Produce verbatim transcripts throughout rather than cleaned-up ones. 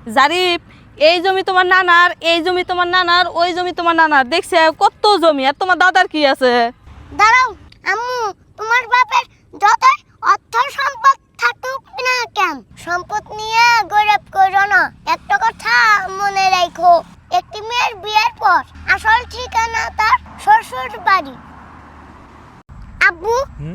জারিফ, এই জমি তোমার নানার, এই জমি তোমার নানার, ওই জমি তোমার নানার, দেখছে কত জমি। আর তোমার দাদার কি আছে? দাঁড়াও আম্মু, তোমার বাপের যতই অর্থ সম্পদ থাকুক না কেন, সম্পদ নিয়ে গৌরব করো না। একটা কথা মনে রাখো, একটি মেয়ের বিয়ের পর আসল ঠিকানা তার শ্বশুর বাড়ি। আব্বু,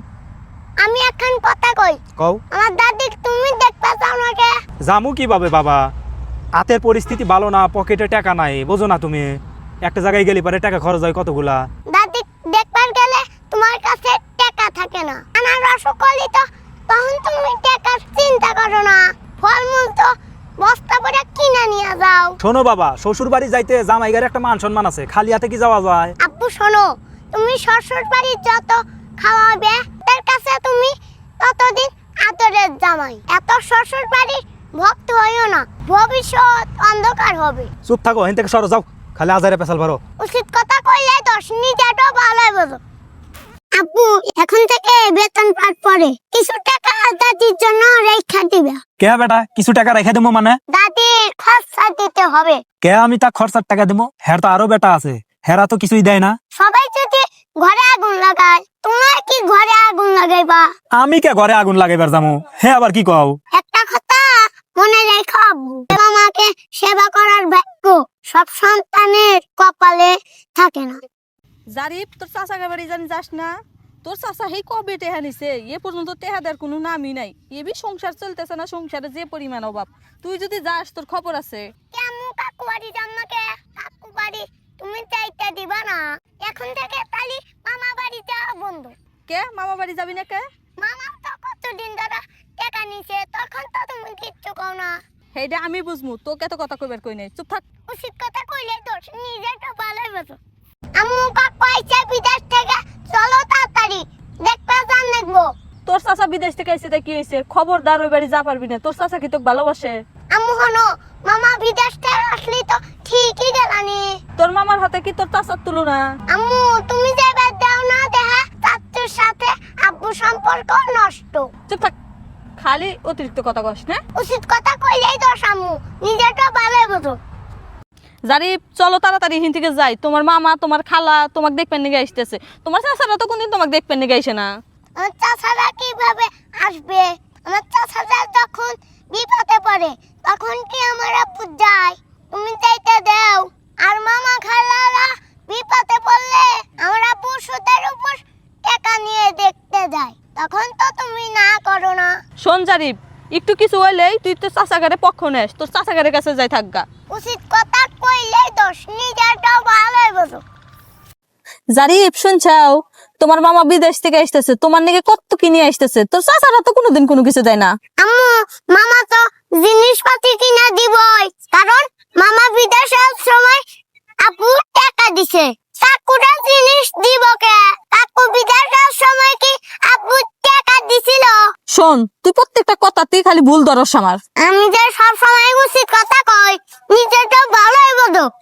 আমি এখন কথা কই। কও। আমার দাদি তুমি দেখতে চাও না কে? জামু কিভাবে বাবা, হাতের পরিস্থিতি ভালো না, পকেটে টাকা নাই, বোঝো না তুমি। একটা জায়গায় গেলে পরে টাকা খরচ হয় কতগুলা। দাদি দেখবার গেলে তোমার কাছে টাকা থাকে না। আমার রসকলি তো তখন তুমি টাকার চিন্তা করো না। ফলমূল তো বস্তা ভরে কিনে নিয়ে যাও। শোনো বাবা, শ্বশুর বাড়ি যাইতে জামাইগার একটা মান সম্মান আছে, খালি হাতে কি যাওয়া যায়? আব্বু শোনো, তুমি শ্বশুর বাড়ি যত খাওয়াবে তার কাছে তুমি ততদিন আদরের জামাই। এত শ্বশুর বাড়ি ভক্ত হইও না, ভবিষ্যৎ অন্ধকার হবে। চুপ থাকো, এখান থেকে সরো যাও, খালি আজারে পেছাল পারো। উচিত কথা কইলে দশ নিজেটা ভালো বোঝো। আব্বু, এখন থেকে বেতন পাওয়ার পরে কিছু টাকা দাদির জন্য রেখা দিবে। কে বেটা কিছু টাকা রেখে দেবো মানে? দাদির খরচা দিতে হবে। কে আমি তা খরচার টাকা দেবো? হের তো আরো বেটা আছে, হেরা তো কিছুই দেয় না। সবাই যদি ঘরে আগুন লাগায়, তোমার কি ঘরে আগুন লাগাইবা? আমি কে ঘরে আগুন লাগাইবার যাবো? হে আবার কি কও? একটা কথা মনে রেখো আব্বু, বাবা মাকে সেবা করার ভাগ্য সব সন্তানের কপালে থাকে না। জারিফ, তোর চাচাকে বাড়ি জানি যাস না? তোর চাচা সেই কবে টেহা নিছে, এ পর্যন্ত টেহা দেওয়ার কোনো নামই নাই। এবি সংসার চলতেছে না, সংসারে যে পরিমাণ অভাব। তুই যদি যাস তোর খবর আছে। কেমন কাকু বাড়ি যাম না কে? কাকু বাড়ি তুমি চাইতে দিবা না। এখন থেকে তালি মামা বাড়ি যাওয়া বন্ধ। কে মামা বাড়ি যাবি না কে? মামা তো কতদিন ধরে টাকা নিছে, তখন তো তুমি কিচ্ছু কও না। সেইটা আমি বুঝমু, তোকে তো কথা কইবার কই নাই। চুপ থাক। উচিত কথা কইলে দোষ, নিজেটা ভালোই বোঝো। আম্মু কাকু আইছে বিদেশ থেকে, চলো তাড়াতাড়ি দেখতে যান দেখবো। তোর চাচা বিদেশ থেকে আইছে, তাই কি হয়েছে? খবরদার ওই বাড়ি যা পারবি না। তোর চাচা কি তোকে ভালোবাসে? আম্মু হনো, মামা বিদেশ থেকে আসলি তো ঠিকই গেলানি। তোর মামার হাতে কি তোর চাচার তুলনা? আম্মু তুমি যে বাদ দাও না দেখা, চাচুর সাথে আব্বু সম্পর্ক নষ্ট। চুপ থাক, খালি অতিরিক্ত কথা কস না। উচিত কথা কইলেই দোষ আম্মু, নিজেটা ভালোই বোঝো। জারিফ, চলো তাড়াতাড়ি হিন থেকে যাই। তোমার মামা, তোমার খালা তোমাকে দেখবেন নিগে আসতেছে। তোমার চাচারা তো কোনদিন তোমাকে দেখবেন নিগে আসে না। আমার চাচারা কিভাবে আসবে? আমার চাচারা যখন বিপদে পড়ে তখন কি আমার আব্বু যায়? তুমি যাইতে দাও। আর মামা খালারা বিপদে পড়লে আমার আব্বু সুদের উপর টাকা নিয়ে দেখতে যায়, তখন তো তুমি না করো না। শোন জারিফ, একটু কিছু হইলেই তুই তোর চাচাগারে পক্ষ নেস, তোর চাচাগারের কাছে যাই থাকগা। উচিত কথা কইলেই দোষ, নিজেরটাও ভালোই বোঝো। জারিফ, শুনছাও? তোমার মামা বিদেশ থেকে আসতেছে, তোমার নাকি কত কিনে আসতেছে। তোর চাচারা তো কোনোদিন কোনো কিছু দেয় না। আম্মু, মামা তো জিনিসপাতি কিনা দিবই, কারণ মামা বিদেশের সময় আপু টাকা দিছে। কাকুরা জিনিস দিব কে? কাকু বিদেশের সময় কি আপু টাকা দিছিল? শোন, তুই প্রত্যেকটা কথাতেই খালি ভুল ধরস আমার। আমি যে সব সময় উচিত কথা কই, নিজেরটা ভালোই বোঝো।